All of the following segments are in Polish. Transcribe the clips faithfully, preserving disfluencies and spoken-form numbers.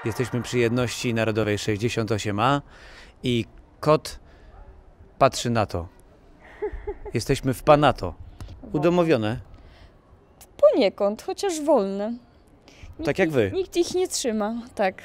Jesteśmy przy jedności narodowej sześćdziesiąt osiem A i kot patrzy na to. Jesteśmy w Panato. Udomowione. Poniekąd, chociaż wolne. Nikt, Tak jak wy. Nikt ich nie trzyma, tak.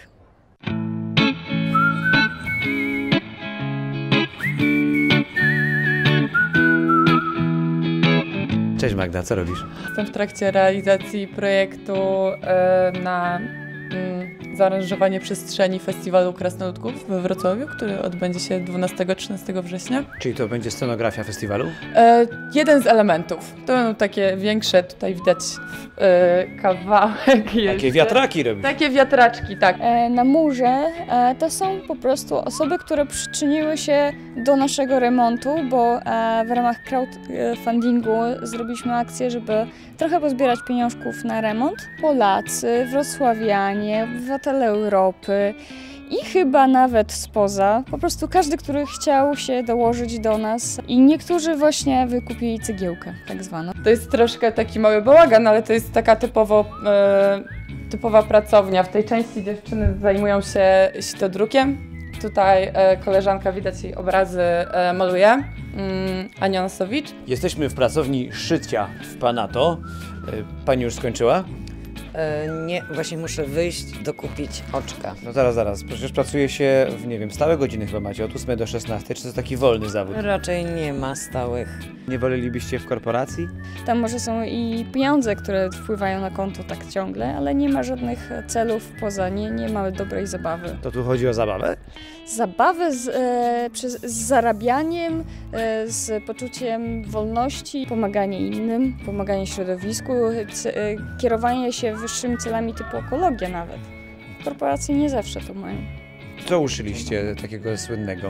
Cześć Magda, co robisz? Jestem w trakcie realizacji projektu e, na mm, zaaranżowanie przestrzeni Festiwalu Krasnoludków we Wrocławiu, który odbędzie się dwunastego trzynastego września. Czyli to będzie scenografia festiwalu? E, jeden z elementów. To będą takie większe, tutaj widać e, kawałek. Takie wiatraki robisz? Takie wiatraczki, tak. E, na murze e, to są po prostu osoby, które przyczyniły się do naszego remontu, bo e, w ramach crowdfundingu zrobiliśmy akcję, żeby trochę pozbierać pieniążków na remont. Polacy, wrocławianie, obywatele Europy i chyba nawet spoza. Po prostu każdy, który chciał się dołożyć do nas i niektórzy właśnie wykupili cegiełkę tak zwaną. To jest troszkę taki mały bałagan, ale to jest taka typowo, e, typowa pracownia. W tej części dziewczyny zajmują się sitodrukiem. Tutaj e, koleżanka, widać jej obrazy, e, maluje, mm, Ania Nosowicz. Jesteśmy w pracowni szycia w Panato. Pani już skończyła? E, nie, właśnie muszę wyjść, dokupić oczka. No zaraz, zaraz. Przecież pracuje się w, nie wiem, stałe godziny chyba macie, od ósmej do szesnastej. Czy to jest taki wolny zawód? Raczej nie ma stałych. Nie wolelibyście w korporacji? Tam może są i pieniądze, które wpływają na konto tak ciągle, ale nie ma żadnych celów poza, nie, nie mamy dobrej zabawy. To tu chodzi o zabawę? Zabawę z, e, przez, z zarabianiem, e, z poczuciem wolności, pomaganie innym, pomaganie środowisku, c, e, kierowanie się wyższymi celami typu ekologia nawet. Korporacje nie zawsze to mają. Co uszyliście takiego słynnego?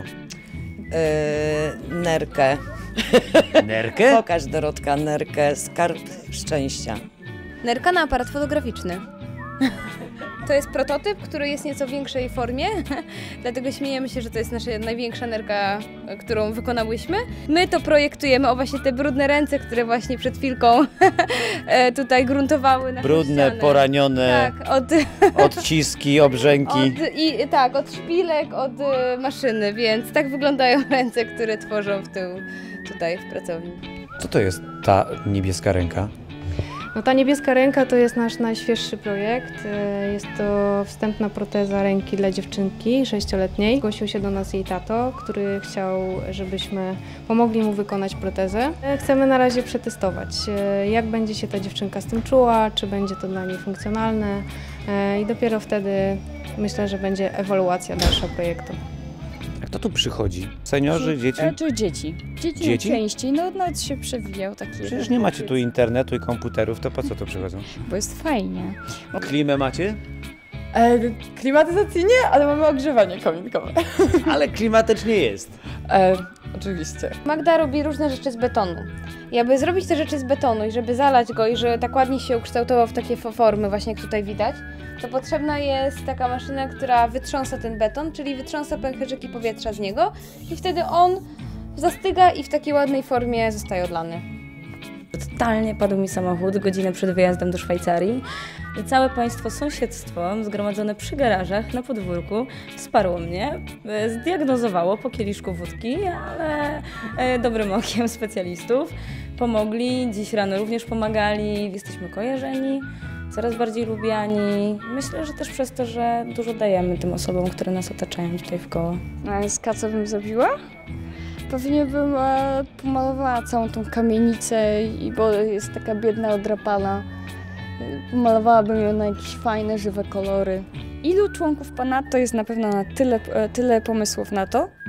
E, nerkę. Nerkę? Pokaż, Dorotka, nerkę, skarb szczęścia. Nerka na aparat fotograficzny. To jest prototyp, który jest w nieco większej formie, dlatego śmiejemy się, że to jest nasza największa nerka, którą wykonałyśmy. My to projektujemy, o właśnie te brudne ręce, które właśnie przed chwilką tutaj gruntowały naszą Brudne, ścianę. poranione, Tak, od, odciski, obrzęki. od, i, tak, od szpilek, od maszyny, więc tak wyglądają ręce, które tworzą w tył tutaj w pracowni. Co to jest ta niebieska ręka? No, ta niebieska ręka to jest nasz najświeższy projekt. Jest to wstępna proteza ręki dla dziewczynki sześcioletniej. Zgłosił się do nas jej tato, który chciał, żebyśmy pomogli mu wykonać protezę. Chcemy na razie przetestować, jak będzie się ta dziewczynka z tym czuła, czy będzie to dla niej funkcjonalne i dopiero wtedy myślę, że będzie ewaluacja dalsza projektu. A kto tu przychodzi? Seniorzy, dzieci? E, czy dzieci. Dzieci, Dzieci? Częściej, no nawet się przewijał taki. Przecież nie macie tu internetu i komputerów, to po co tu przychodzą? Bo jest fajnie. Klimę macie? E, klimatyzacji nie, ale mamy ogrzewanie kominkowe. Ale klimatycznie jest. E, oczywiście. Magda robi różne rzeczy z betonu. I aby zrobić te rzeczy z betonu i żeby zalać go i żeby tak ładnie się ukształtował w takie formy właśnie jak tutaj widać, to potrzebna jest taka maszyna, która wytrząsa ten beton, czyli wytrząsa pęcherzyki powietrza z niego i wtedy on zastyga i w takiej ładnej formie zostaje odlany. Totalnie padł mi samochód godzinę przed wyjazdem do Szwajcarii. Całe państwo sąsiedztwo zgromadzone przy garażach na podwórku wsparło mnie, zdiagnozowało po kieliszku wódki, ale dobrym okiem specjalistów pomogli. Dziś rano również pomagali, jesteśmy kojarzeni, coraz bardziej lubiani. Myślę, że też przez to, że dużo dajemy tym osobom, które nas otaczają tutaj wkoło. A z K co bym zrobiła? Pewnie bym e, pomalowała całą tą kamienicę, i, bo jest taka biedna, odrapana. Pomalowałabym ją na jakieś fajne, żywe kolory. Ilu członków Panato jest na pewno na tyle, tyle pomysłów na to,